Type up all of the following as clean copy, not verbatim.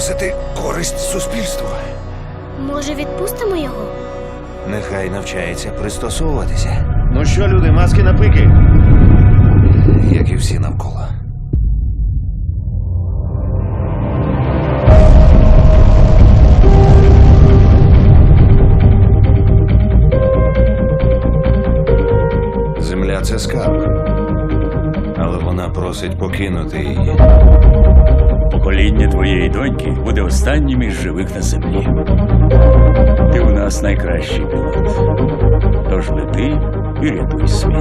приносити користь суспільству. Може, відпустимо його? Нехай навчається пристосовуватися. Ну що, люди, маски на пики? Як і всі навколо. Земля – це скарб. Але вона просить покинути її. Покоління твоєї доньки буде останнім із живих на землі. Ти у нас найкращий пілот. Тож лети і рятуй світ.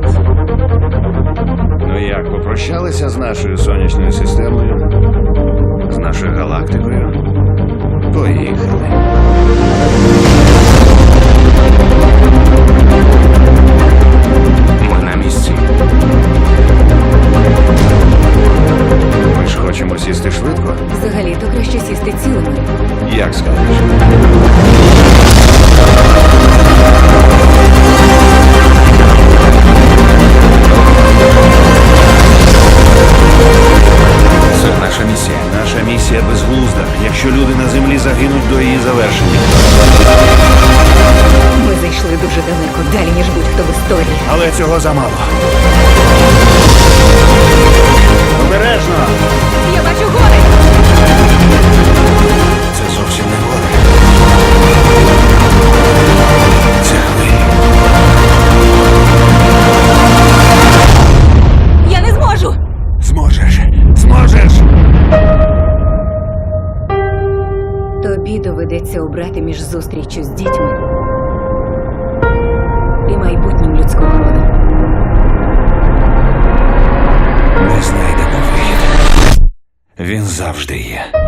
Ну як, попрощалися з нашою сонячною системою? З нашою галактикою? Поїхали. Ми на місці. Ми ж хочемо сісти швидко? Взагалі-то краще сісти цілими. Як скажеш? Це наша місія. Наша місія безглузда, якщо люди на землі загинуть до її завершення. Ми зайшли дуже далеко, далі, ніж будь-хто в історії. Але цього замало. Обережно! Я бачу гори! Це зовсім не гори. Це хвилі. Я не зможу! Зможеш! Зможеш! Тобі доведеться обрати між зустрічю з дітьми і майбутнім людського роду. Ми знайдемо вихід. Він завжди є.